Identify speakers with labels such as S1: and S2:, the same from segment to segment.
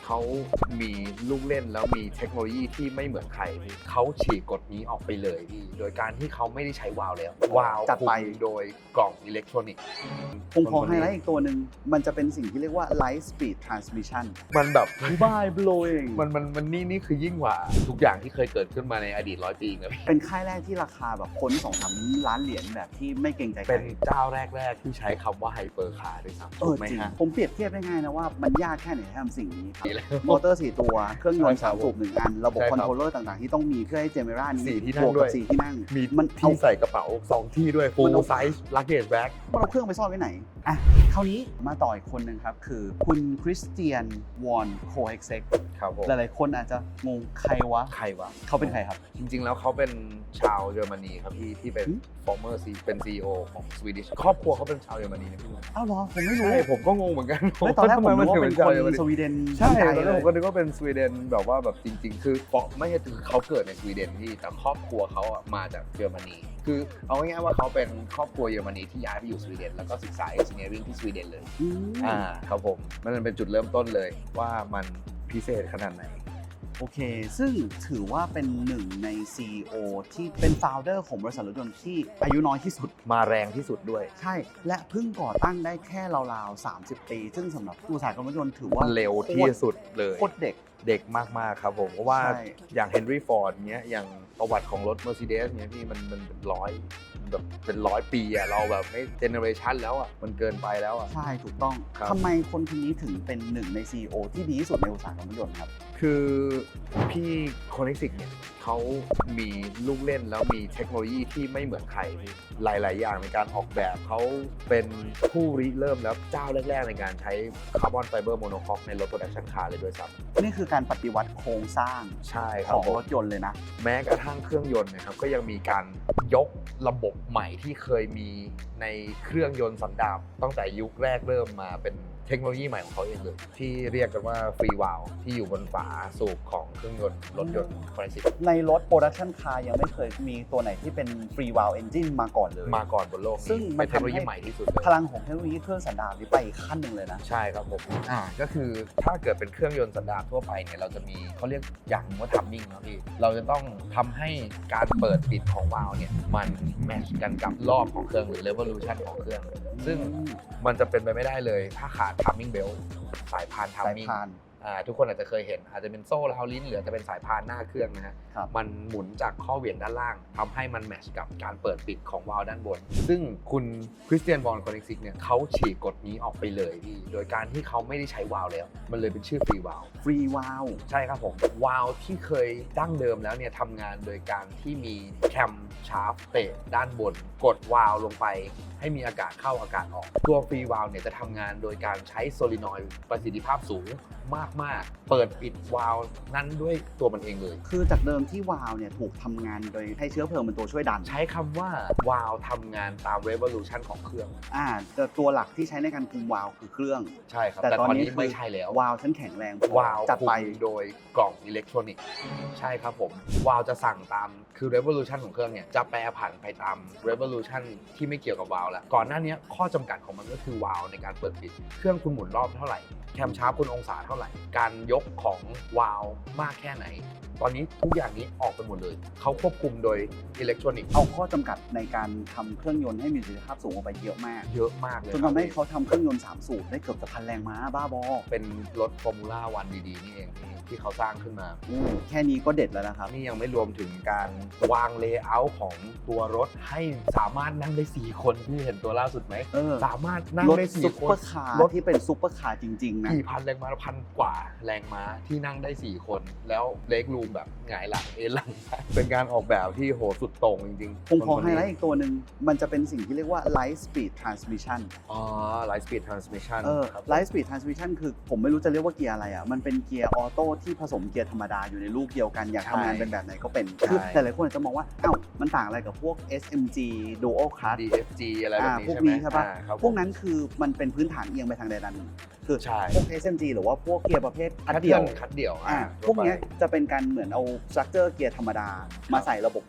S1: เขามีลูกเล่นแล้วมีเทคโนโลยีที่ไม่เหมือนใครพี่เขาฉีกกฎนี้ออกไปเลยพี่โดยการที่เขาไม่ได้ใช้วาล์วแล้ววาล์ว
S2: จัดไป
S1: คุมโดยกล่องอิเล็กทรอนิกส์
S2: ผมขอไฮไลท์อีกตัวหนึ่งมันจะเป็นสิ่งที่เรียกว่า light speed transmission
S1: มันแบบ
S2: mind blowing
S1: มันนี่คือยิ่งกว่าทุกอย่างที่เคยเกิดขึ้นมาในอดีต100 ปีเลย
S2: เป็นค่ายแรกที่ราคาแบบค้น 2-3 ล้านเหรียญแบบที่ไม่เกรงใจใคร
S1: เป็นเจ้าแรกที่ใช้คำว่าไฮเปอร์คาร์ด้วยซ้ำถูกไหม
S2: จริง
S1: ฮะ
S2: ผมเปรียบเทียบได้ง่ายนะว่ามันยากแค่ไหนที่ทำสิ่งนี้ครับ
S1: ดีแล้ว
S2: มอเตอร์ 4 ตัว เครื่องยนต์
S1: ใช่ครับ
S2: 3 สูบ 1 อัน ระบบ
S1: ใช่
S2: ค
S1: ครั
S2: อบ นโทรลเลอร์ต่างๆ ที่ต้องมีเพื่อให้เจเมรานี้
S1: 4 ที่นั่ง
S2: บวก
S1: ด้
S2: กั
S1: วย
S2: บ4 ที่นั่ง
S1: มี
S2: มัน
S1: ที่ใส่กระเป๋า2 ที่ด้วย full size luggage bag
S2: มันเอาเครื่องไปซ่อนไว้ไหนอ่ะคราวนี้มาต่ออีกคนหนึ่งครับ คือคุณคริสเตียนวอนโคเฮกเซ็ก
S1: ครับผม
S2: หลายๆคนอาจจะงงใครวะ
S1: ใครวะ
S2: เขาเป็นใครครับ
S1: จริงๆ แล้วเขาเป็นชาวเยอรมนีครับที่เป็น former C เป็น CEO ของ Swedish ครอบครัวเขาเป็นชาวเยอรมนีนะพี่
S2: อ้าวเหรอ ผมไม่รู้
S1: ใช่ผมก็งงเหมือนกัน
S2: ไม่ตอนแรกผมนึกว่าเป็น
S1: ชาว
S2: คน
S1: เยอรมนี
S2: สวีเดน
S1: ใช่
S2: ใจ
S1: ตอน
S2: เล
S1: แรก
S2: ย
S1: ผมก็นึกว่าเป็นสวีเดนแบบว่าแบบจริงๆ คือไม่ใช่คือเขาเกิดในสวีเดนพี่แต่ครอบครัวเขาอะมาจากเยอรมนี คือเอาง่ายๆว่าเขาเป็นครอบครัวเยอรมนีที่ย้ายไปอยู่สวีเดนแล้วก็ศึกษา engineering ที่สวีเดนเลย
S2: อืม
S1: ครับผมมันเป็นจุดเริ่มต้นเลยว่ามันพิเศษขนาดไหน
S2: โอเค ซึ่งถือว่าเป็นหนึ่งใน CEO ที่เป็น founder ของบริษัทรถยนต์ที่อายุน้อยที่สุด
S1: มาแรงที่สุดด้วย
S2: ใช่ และเพิ่งก่อตั้งได้แค่ราวๆ 30 ปี ซึ่งสำหรับอุตสาหกรรมรถยนต์ถือว่า
S1: เร็วที่สุดเลย
S2: โคตรเด็ก
S1: เด็กมากๆครับผมเพราะว่า
S2: ใช่
S1: อย่างเฮนรี่ฟอร์ดเนี้ยอย่างประวัติของรถ Mercedes เนี้ยพี่มันเป็นร้อยแบบเป็น100 ปีอะเราแบบไม่เจเนอเรชันแล้วอะมันเกินไปแล้วอะ
S2: ใช่ถูกต้อง
S1: ครับ
S2: ทำไมคนคนนี้ถึงเป็นหนึ่งใน CEO ที่ดีที่สุดในอุตสาหกรรมรถยนต์ครับ
S1: คือพี่คอนเน ซิกเนี่ยเขามีลูกเล่นแล้วมีเทคโนโลยีที่ไม่เหมือนใครพี่หลายๆ อย่างในการออกแบบเขาเป็นผู้ริเริ่มแล้วเจ้าแรกๆ ในการใช้คาร์บอนไฟเบอร์โมโนคอกในรถโปรดักชันคาร์เลยด้วยซ้ำ
S2: นี่คือการปฏิวัติโครงสร้าง
S1: ใช่ค
S2: ข
S1: รับ
S2: อง
S1: ผม
S2: รถยนต์เลยนะ
S1: แม้กระทั่งเครื่องยนต์นะครับก็ยังมีการยกระบบใหม่ที่เคยมีในเครื่องยนต์สันดาปตั้งแต่ยุคแรกเริ่มมาเป็นเทคโนโลยีใหม่ของเขาเองเลยที่เรียกกันว่าฟรีวาลที่อยู่บนฝาสูบของเครื่องยนต์รถยนต์คอนเน ซิก
S2: ในรถโปรดักชันคาร์ยังไม่เคยมีตัวไหนที่เป็นฟรีวาลเอนจินมาก่อนเลย
S1: มาก่อนบนโลก
S2: ซึ่ง
S1: นี้
S2: มั
S1: เป็น นเทคโนโลยี
S2: ทำให้
S1: ใหม่ที่สุดเลย
S2: พลังของเทคโนโลยีเครื่องสันดาปนี้ไปอีกขั้นหนึ่งเลยนะ
S1: ใช่ครับผมก็คือถ้าเกิดเป็นเครื่องยนต์สันดาปทั่วไปเนี่ยเราจะมีเขาเรียกอย่างหนึงว่าทัมมิ่งนะพี่เราจะต้องทำให้การเปิดปิดของวาล์วเนี่ยมันแมทช์กันกับรอบของเครื่องหรือ revolution ของเครื่อง ซึ่งมันจะเป็นไปไม่ได้เลยถ้าขาด timing belt สายพาน
S2: สาย
S1: timing
S2: พาน
S1: ทุกคนอาจจะเคยเห็นอาจจะเป็นโซ่ราวลิ้นหรืออาจจะเป็นสายพานหน้าเครื่องนะฮะ
S2: ครับ
S1: มันหมุนจากข้อเหวี่ยงด้านล่างทำให้มันแมทช์กับการเปิดปิดของวาล์วด้านบน ซึ่งคุณคริสเตียนบอลคอนเน ซิกเนี่ยเขาฉีกกฎนี้ออกไปเลยพี่โดยการที่เขาไม่ได้ใช้วาล์วแล้ว มันเลยเป็นชื่อฟรีวาล์ว
S2: ฟรีวาล
S1: ใช่ครับผมวาล์วที่เคยดั้งเดิมแล้วเนี่ยทำงานโดยการที่มีแคมชาร์ปเตะด้านบน กดวาล์วลงไปให้มีอากาศเข้าอากาศออก ตัวฟรีวาล์วเนี่ยจะทำงานโดยการใช้โซลินอยด์ประสิทธิภาพสูงมากๆ เปิดปิดวาล์วนั้นด้วยตัวมันเองเลย
S2: คือจากเดิมที่วาลเนี่ยถูกทำงานโดยให้เชื้อเพลิงเป็นตัวช่วยดัน
S1: ใช้คำว่าวาล์วทำงานตาม revolution ของเครื่อง
S2: แต่ตัวหลักที่ใช้ในการคุมวาลคือเครื่อง
S1: ใช่ครับ
S2: แต่
S1: แต่
S2: ตอน
S1: ตอน
S2: นี้
S1: นี้ไม่ใช่แล้ว
S2: วาลฉันแข็งแรงพอ
S1: วาล์ว
S2: จัดไป
S1: คุมโดยกล่องอิเล็กทรอนิกส์ใช่ครับผมวาล์วจะสั่งตามคือ revolution ของเครื่องเนี่ยจะแปรผันไปตาม revolution ที่ไม่เกี่ยวกับวาล์วแล้วก่อนหน้านี้ข้อจำกัดของมันก็คือวาล์วในการเปิดปิดเครื่องคุณหมุนรอบเท่าไหร่แคมชาร์ปคุณองศาเท่าไหร่การยกของวาล์วมากแค่ไหน ตอนนี้ทุกอย่างนี้ออกไปหมดเลยเขาควบคุมโดยอิเล็กทรอนิกส์
S2: เอาข้อจำกัดในการทำเครื่องยนต์ให้มีประสิทธิภาพสูงออกไปเยอะมาก
S1: เยอะมากเลย
S2: จนทำให้เขาทำเครื่องยนต์3สูบได้เกือบจะ1,000 แรงม้าบ้าบอ
S1: เป็นรถฟอร์มูล่าวันดีๆนี่เองที่เขาสร้างขึ้นมา
S2: แค่นี้ก็เด็ดแล้วนะครับ
S1: นี่ยังไม่รวมถึงการวางเลเยอร์ของตัวรถให้สามารถนั่งได้ 4 คนที่เห็นตัวล่าสุดไหม สามารถนั่ง
S2: รถ
S1: ได้
S2: ซุป
S1: 4 ค
S2: เปอน ร์คาร์
S1: รถ
S2: ที่เป็นซุปเปอร์คาร์จริงๆนะ
S1: กี่พันแรงม้าพันกว่าแรงม้าที่นั่งได้ 4 คน แล้วเล็กรูมแบบหงายหลังเอนหลัง เป็นการออกแบบที่โหสุดโต่งจริงๆ
S2: ผมขอ
S1: คน
S2: ไฮ
S1: นี้
S2: ไลท์อีกตัวหนึ่งมันจะเป็นสิ่งที่เรียกว่า light speed transmission
S1: Light Speed Transmission ครับ
S2: light speed transmission คือผมไม่รู้จะเรียกว่าเกียร์อะไรอ่ะมันเป็นเกียร์ออโต้ที่ผสมเกียร์ธรรมดาอยู่ในลูกเดียวกันอยากทำงานเป็นแบบไหนก็เป็น
S1: ใช่
S2: คือแต่หลายคนอาจจะมองว่าอ้าวมันต่างอะไรกับพวก SMG Dual Clutch
S1: DFG อะไรแบบนี้
S2: พวก
S1: ใช่ไหม
S2: นี้ใช่ปะ
S1: ครับ
S2: พวกนั้นคือมันเป็นพื้นฐานเอียงไปทางใดด้านหนึ่งคือ
S1: ใช่
S2: พวก SMG หรือว่าพวกเกียร์ประเภทคัด
S1: คัด
S2: เดี่
S1: เดี่
S2: ย
S1: ยว วคัดเดี่ยว
S2: พวกเนี้ยจะเป็นการเหมือนเอาสตรัคเจอร์เกียร์ธรรมดามาใส่ระบบกลุ่ม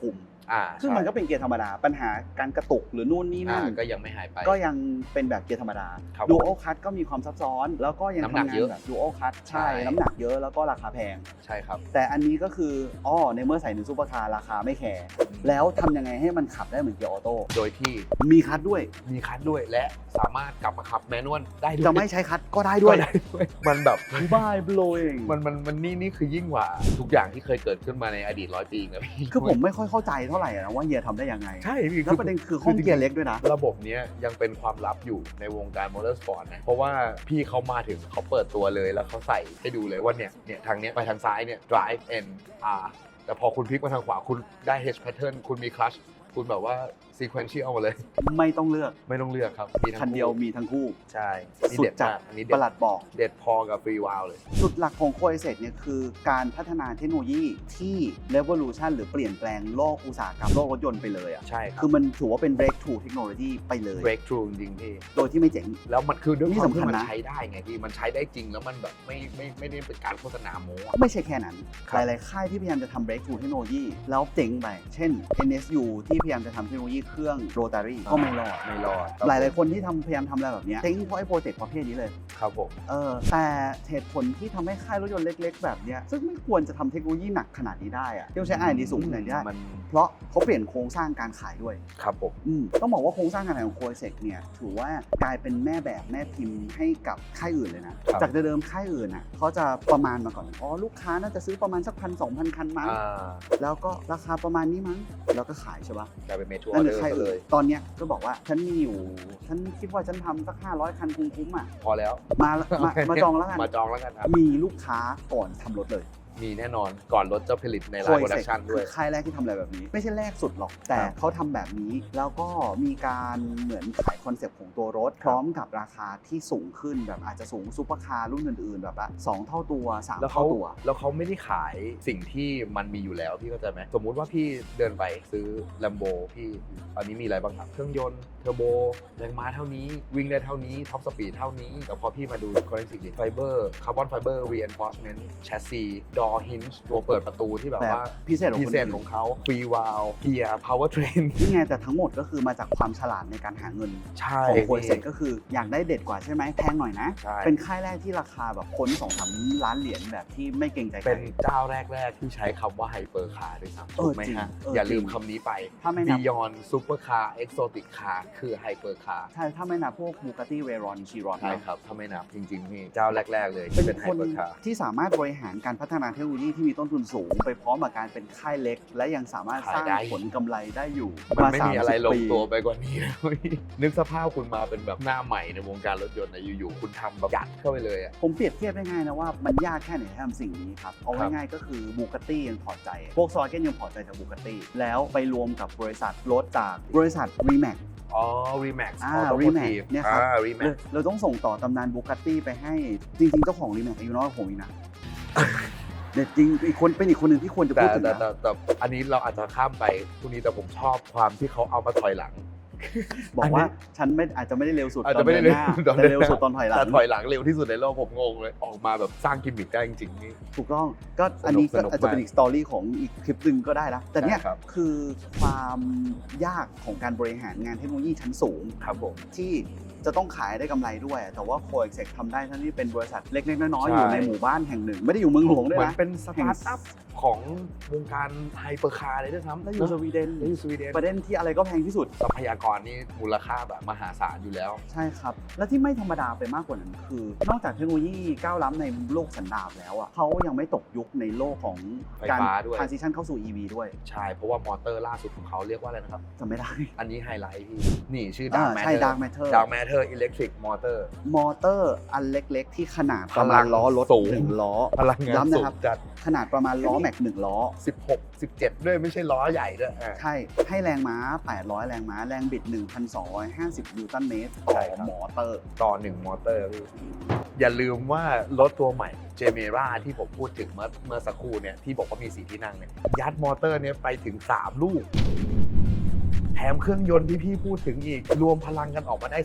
S2: ซึ่งมันก็เป็นเกียร์ธรรมดาปัญหาการกระตุกหรือนู่นนี่นั่น
S1: ก็ยังไม่หายไป
S2: ก็ยังเป็นแบบเกียร์ธรรมดา
S1: ครับ
S2: ดูโอคัทก็มีความซับซ้อนแล้วก็ยัง
S1: น้ำหนั
S2: ทำ
S1: ก
S2: งา
S1: เย
S2: น
S1: อะ
S2: แบบดูโอคัท
S1: ใช่
S2: ใช่น้ำหนักเยอะแล้วก็ราคาแพง
S1: ใช่ครับ
S2: แต่อันนี้ก็คือในเมื่อใส่ในซูเปอร์คาร์ราคาไม่แคร์แล้วทำยังไงให้มันขับได้เหมือนเกียร์ออโต้
S1: โดยที่
S2: มีคัทด้วย
S1: มีคัทด้วยและสามารถกลับมาขับแมนนวลได้ด้วย
S2: จะไม่ใช้คัทก็ได้ด้วย
S1: ก็ได้ด้วยมันแบบ
S2: บ้าโบลเอง
S1: มันนี่คือยิ่งกว่าทุกอย่างที่เคยเกิดขึ้นมาในอดีต100 ปีนะพี่
S2: คือผมไม่ค่อยเข้าใจเท่าไหร่นะว่าเฮียทำได้ยังไง
S1: ใช่พี่
S2: แล้วประเด็นคือห้องเกียร์เล็กด้วยนะ
S1: ระบบเนี้ยยังเป็นความลับอยู่ในวงการมอเตอร์สปอร์ตนะเพราะว่าพี่เขามาถึงเขาเปิดตัวเลยแล้วเขาใส่ให้ดูเลยว่าเนี่ยทางเนี้ยไปทางซ้ายเนี่ย drive N R แต่พอคุณพลิกมาทางขวาคุณได้ H pattern คุณมี clutch คุณแบบว่า sequential มาเลย
S2: ไม่ต้องเลือก
S1: ไม่ต้องเลือกครับมีทั้ง
S2: คันเดียวมีทั้งคู่
S1: ใช่นี่
S2: สุด
S1: เด็ด
S2: จัด
S1: มากอันนี้
S2: ประหลัดบอก
S1: เด็ดพอกับฟรีวาลเลย
S2: จุดหลักของโคเอเซเนี่ยคือการพัฒนาเทคโนโลยีที่ revolution หรือเปลี่ยนแปลงโลกอุตสาหกรรมโลกรถยนต์ไปเลยอ่ะ
S1: ใช่ครับ
S2: คือมันถือว่าเป็น breakthrough technology ไปเลย
S1: breakthrough จริงๆพี่
S2: โดยที่ไม่เจ๋ง
S1: แล้วมันคือด้วย
S2: นี่
S1: ความ
S2: สำคั
S1: ที่
S2: ญ
S1: มัน
S2: นะ
S1: ใช้ได้ไงพี่มันใช้ได้จริงแล้วมันแบบไม่ได้เป็นการโฆษณาโม้อะ
S2: ไม่ใช่แค่นั้น
S1: ค
S2: ห
S1: รับ
S2: ลายๆค่ายที่พยายามจะทำ breakthrough เทคโนโลยีแล้วเจ๋งไป เช่น NSU ที่พยายามจะทำเทคโนโลยีเครื่อง rotary ก็ไม่รอด
S1: ไม่รอด
S2: หลายๆคนที่พยายามทำอะไรแบบเนี้ยเจ๊งเพราะไอ้โปรเจกต์ประเภทนี้เลย
S1: ครับผม
S2: แต่เหตุผลที่ทำให้ค่ายรถยนต์เล็กๆ แบบเนี้ยซึ่งไม่ควรจะทำเทคโนโลยีหนักขนาดนี้ได้อะที่ต้องใช้ R&D สูงขนาดนี้ได้
S1: มัน
S2: เพราะเขาเปลี่ยนโครงสร้างการขายด้วย
S1: ครับผม
S2: ต้องบอกว่าโครงสร้างการขายของโคเซกเนี่ยถือว่ากลายเป็นแม่แบบแม่พิมพ์ให้กับค่ายอื่นเลยนะ จากเดิมค่ายอื่นอ่ะเขาจะประมาณมาก่อนลูกค้าน่าจะซื้อประมาณสัก1,000-2,000 คันมั้งแล้วก็ราคาประมาณนี้มั้งแล้วก็ขายใช่ปะ
S1: กลายเป็นเมทัว
S2: นั่น
S1: ร์
S2: คือค่าย
S1: เล
S2: อื่น
S1: ย
S2: ตอนเนี้ยก็บอกว่าฉันมีอยู่ฉันคิดว่าฉันทำสัก500 คันคุ้มๆอ่ะ
S1: พอแล้ว
S2: มาจองแล้วกัน
S1: มาจองแล้วกันครับ
S2: มีลูกค้าก่อนทำรถเลย
S1: มีแน่นอนก่อนรถจะผลิตในไลน์โปรดักชันด้วย
S2: คือค่ายแรกที่ทำอะไรแบบนี้ ไม่ใช่แรกสุดหรอก แต่เขาทำแบบนี้ แล้วก็มีการเหมือนขายคอนเซปต์ของตัวรถ พร้อมกับราคาที่สูงขึ้นแบบอาจจะสูงซุปเปอร์คาร์รุ่นอื่นๆ แบบว่า2เท่าตัว3
S1: แล้ว
S2: เท่าตัว
S1: แล้วเขาไม่ได้ขายสิ่งที่มันมีอยู่แล้วพี่เข้าใจไหมสมมุติว่าพี่เดินไปซื้อ Lambo พี่ตอนนี้มีอะไรบ้างครับเครื่องยนต์เทอร์โบแรงม้าเท่านี้วิ่งได้เท่านี้ท็อปสปีดเท่านี้แต่พอพี่มาดู Forensic Fiber Carbon Fiber Reinforcement Chassis Door Hinge ตัวเปิดประตูที่แบบว่า
S2: พิเศษของ
S1: พิ
S2: คน
S1: เศษ
S2: อื่น
S1: ของเขาฟรีวาลเกียร์พาวเวอร์เทรน
S2: นี่ไงแต่ทั้งหมดก็คือมาจากความฉลาดในการหาเงิน
S1: ใช่
S2: ของโคเซกก็คืออยากได้เด็ดกว่าใช่ไหมแพงหน่อยนะ
S1: ใช่
S2: เป็นค่ายแรกที่ราคาแบบคน2-3 ล้านเหรียญแบบที่ไม่เกรงใจใคร
S1: เป็นเจ้าแรก ๆ ที่ใช้คำว่าไฮเปอร์คาร์ด้วยซ้ำถูกไหม
S2: จริง
S1: ฮะ
S2: จริง
S1: อย่าลืมคำนี้ไป
S2: ถ้าไม่นับ
S1: Beyond Super Car Exotic Car คือไฮเปอร์คาร์
S2: ใช่ถ้าไม่นับพวก Bugatti Veyron Chiron
S1: ใช่ครับ ถ้าไม่นับจริงๆนี่เจ้าแรก ๆ เลยที่
S2: เป็
S1: เป็น นไฮ
S2: คน
S1: เปอร์คาร์
S2: ที่สามารถบริหารการพัฒนาเทคโนโลยีที่มีต้นทุนสูง ไปพร้อมกับการเป็นค่ายเล็ก และยังสามารถสร้าง
S1: ขายได้
S2: ผลกำไรได้อยู่
S1: มันไม่มีอะไรล
S2: 30
S1: ง
S2: ปี
S1: ตัวไปกว่านี้แล้วพี่นึกสภาพคุณมาเป็นแบบหน้าใหม่ในวงการรถยนต์นะอยู่ๆคุณทำแบบยัดเข้าไปเลยอ่ะ
S2: ผมเปรียบเทียบได้ง่ายนะว่ามันยากแค่ไหนที่ทำสิ่งนี้ครับ เอา
S1: ครับ
S2: ง่ายๆก็คือ Bugatti ยังพอใจ พวกซอยเกนยังพอใจจาก Bugatti แล้วไปรวมกับบริษัทรถจากบริษัท Rimac
S1: อ๋อ Remax
S2: อ่า
S1: Automotive
S2: Rimac เนี่ยครับ
S1: Remax
S2: เราต้องส่งต่อตำนาน Bugatti ไปให้จริงๆเจ้าของ Rimac อายุน้อยกว่าผมอีกนะ เด็ดจริงอีกคนเป็นอีกคนหนึ่งที่ควรจะ
S1: แต่
S2: พูดถึง
S1: แต่
S2: นะ
S1: แต่อันนี้เราอาจจะข้ามไปพวกนี้แต่ผมชอบความที่เขาเอามาถอยหลัง
S2: บอกว่าฉันไม่อาจจะไม่ได้เร็วสุด
S1: อาจ
S2: ตอ
S1: จะ
S2: น
S1: ไม่
S2: เดิ
S1: ได้
S2: นหน้า
S1: เร็ว
S2: แต่เร็วสุดตอนถอยหลัง
S1: แต่ถอยหลังเร็วที่สุดในโลกผมงงเลยออกมาแบบสร้างกิมมิคได้จริงๆนี่
S2: ถูกต้องก็อันนี้
S1: ส
S2: ก็
S1: นุก
S2: อาจจะเป็น
S1: มาก
S2: อีกสตอรี่ของอีกคลิปหนึ่งก็ได้ละแต่เนี่ย
S1: ใช่ครับ
S2: คือความยากของการบริหารงานเทคโนโลยีชั้นสูง
S1: ครับผม
S2: ที่จะต้องขายได้กำไรด้วย แต่ว่าโคเอ็กเซกทำได้ทั้งที่เป็นบริษัทเล็กๆน้อยๆ
S1: ใช่
S2: อยู่ในหมู่บ้านแห่งหนึ่ง ไม่ได้อยู่เมืองหลวงด้วย
S1: เหมือน
S2: นะ
S1: เป็นสตาร์ทอัพของวงการไฮเปอร์คาร์เลยด้วยซ้ำ
S2: แล้วอยู่สวีเดน
S1: แล้วอยู่สวีเดน
S2: ประเด็นที่อะไรก็แพงที่สุด
S1: ทรัพยากรนี่มูลค่าแบบมหาศาลอยู่แล้ว
S2: ใช่ครับ และที่ไม่ธรรมดาไปมากกว่านั้นคือ นอกจากเทคโนโลยีก้าวล้ำในโลกสันดาปแล้วอ่ะเขายังไม่ตกยุคในโลกของการ
S1: ไฟฟ้าด้วย
S2: transition เข้าสู่ EV ด้วย
S1: ใช่ เพราะว่ามอเตอร์ล่าสุดของเขาเรียกว่าอะไรนะครับ
S2: จำไม่ได้
S1: อันนี้ไฮไลท์พี่ นี่ชื่อ Dark
S2: ใช่
S1: Matter
S2: Dark Matter
S1: Dark Matter Electric Motor
S2: มอเตอร์อันเล็กๆ ที่ขนาดประมาณล้อรถ
S1: สูง
S2: 1 ล้อ
S1: พลังงาน
S2: ย้ำนะ
S1: สู
S2: ครับ
S1: งจัด
S2: ขนาดประมาณล้อแม็ก1 ล้อ
S1: 16 17 ด้วยไม่ใช่ล้อใหญ่ด้วยอ่ะ
S2: ใช่ ให้แรงม้า 800 แรงม้า แรงบิด 1,250 นิวตันเมตร
S1: ใช่
S2: ต่อ
S1: ครับ
S2: มอเตอร์
S1: ต่อ1มอเตอร์พี่อย่าลืมว่ารถตัวใหม่เจเมราที่ผมพูดถึงเมื่อสักครู่เนี่ยที่บอกว่ามี4ที่นั่งเนี่ยยัดมอเตอร์เนี่ยไปถึง3ลูก แถมเครื่องยนต์ที่พี่พูดถึงอีก รวมพลังกันออกมาได้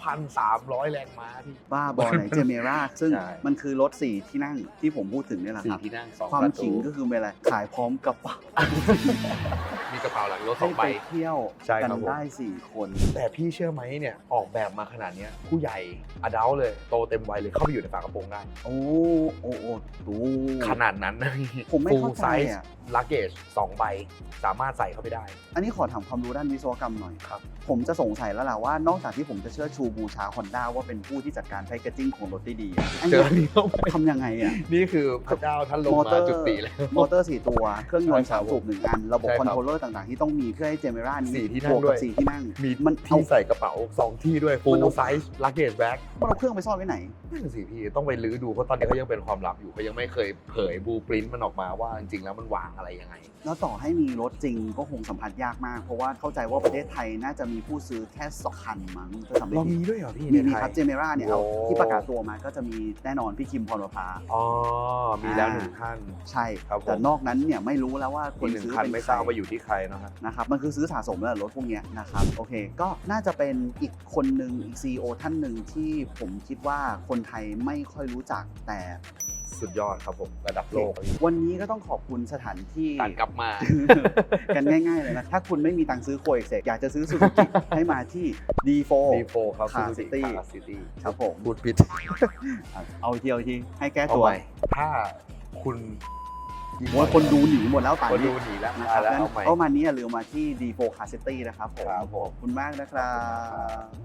S1: 2,300 แรงม้าพี่
S2: บ้าบอไหนเจเมราซึ่ง
S1: ใช่
S2: มันคือรถ 4 ที่นั่งที่ผมพูดถึงเนี่ยแหละครับ
S1: 4ที่นั่ง2
S2: ความ
S1: ประตู
S2: ขิงก็คือเป็นอะไร ขายพร้อมกระเป๋า
S1: มีกระเป๋าหลังรถ
S2: ให้
S1: 2
S2: ไป
S1: ใบ
S2: เที่ยว
S1: ใช่
S2: กั
S1: ครับผม
S2: ได้4 คน
S1: แต่พี่เชื่อไหมเนี่ยออกแบบมาขนาดเนี้ยผู้ใหญ่อดัลเลยโตเต็มวัยเลยเข้าไปอยู่ในฝากระโปรงได้
S2: โอ้ดู
S1: ขนาดนั้นนะ
S2: ผมไม่เข้าใจ
S1: Full size
S2: อ่ะ
S1: luggage 2 ใบสามารถใส่เข้าไปได้
S2: อันนี้ขอถามความรู้ด้านวิศวกรรมหน่อย
S1: ครับ
S2: ผมจะสงสัยแล้วล่ะว่านอกจากที่ผมจะเชิดชูบูชา Honda ว่าเป็นผู้ที่จัดการแพคเกจจิ้งของรถได้ดีอะอัน
S1: เจ
S2: นี้
S1: ออันนี้เข้าไป
S2: ทำยังไงอ่ะ
S1: นี่คือพระเจ้าท่านลงมาจุติแล้ว
S2: มอเตอร์ 4 ตัว เครื่องยนต์
S1: ใช่ครับ
S2: 3 สูบ 1 อัน ระบบ
S1: ใช่
S2: ค
S1: ค
S2: อ
S1: รับ
S2: นโทรลเลอร์ต่างๆ ที่ต้องมีเพื่อให้เจเมรานี้
S1: 4 ที่นั่ง
S2: บวก
S1: ด้
S2: กั
S1: วย
S2: บ4 ที่นั่ง
S1: มี
S2: มันเอา
S1: ที่ใส่กระเป๋า 2 ที่ด้วย
S2: มัน
S1: full
S2: เอา
S1: size luggage bag
S2: มันเอาเครื่องไปซ่อนไว้ไหน
S1: นั่นสิพี่ต้องไปลื้อดูเพราะตอนนี้เขายังเป็นความลับอยู่เขายังไม่เคยเผยบลูพรินต์มันออกมาว่าจริงๆแล้วมันวางอะไรยังไง
S2: แล้วต่อให้มีรถจริงก็คงสัมผัสยากมาก เพราะว่าเข้าใจว่าประเทศไทยน่าจะมีผู้ซื้อแค่2 คันมั้งจะทำไม่
S1: เรา
S2: ผิ
S1: มี
S2: ด
S1: ด้วยเหรอพี่
S2: มี
S1: ในไท
S2: ครั
S1: ย
S2: บเจเมราเนี่ยเอา
S1: โอ้
S2: ที่ประกาศตัวมาก็จะมีแน่นอนพี่คิมพรประภา
S1: อ๋อมีแล้ว1 ท่าน
S2: ใช่
S1: ครับผม
S2: แต่นอกนั้นเนี่ยไม่รู้แล้วว่าค
S1: อี
S2: น
S1: ก
S2: ซื้อ
S1: 1 คัน
S2: เป็น
S1: ไม่
S2: ใค
S1: ท
S2: ร
S1: ราบว่าอยู่ที่ใครนะครับ
S2: นะครับมันคือซื้อสะสมแล้วรถพวกเนี้ยนะครับโอเคก็น่าจะเป็นอีกคนหนึ่งอีก CEO ท่านหนึ่งที่ผมคิดว่าคนไทยไม่ค่อยรู้จักแต่
S1: สุดยอดครับผมระดับโลก
S2: วันนี้ก็ต้องขอบคุณสถานที่
S1: ตัดกลับมา
S2: กันง่ายๆเลยนะ ถ้าคุณไม่มีตังค์ซื้อโคเอ็กเซกอยากจะซื้อซูซูกิให้มาที่ D4
S1: D4 ครับ
S2: Car
S1: Suzuki
S2: City
S1: Car City
S2: ครับผม
S1: พูดผิด
S2: เอาอีกทีให้แก้
S1: เอา
S2: ตัว
S1: ใหม่ถ้าคุณ
S2: โอ้ยคนดูหนีหมดแล้วป่าน
S1: คน
S2: นี้
S1: ดูหนีแล้ว
S2: นะ
S1: มา
S2: ครับ
S1: แล้ว
S2: งั้น
S1: เอาใหม่
S2: เอามานี้อย่าลืมมาที่ D4 Car City นะครับผม
S1: ครับผม
S2: ขอบคุณมากนะครับ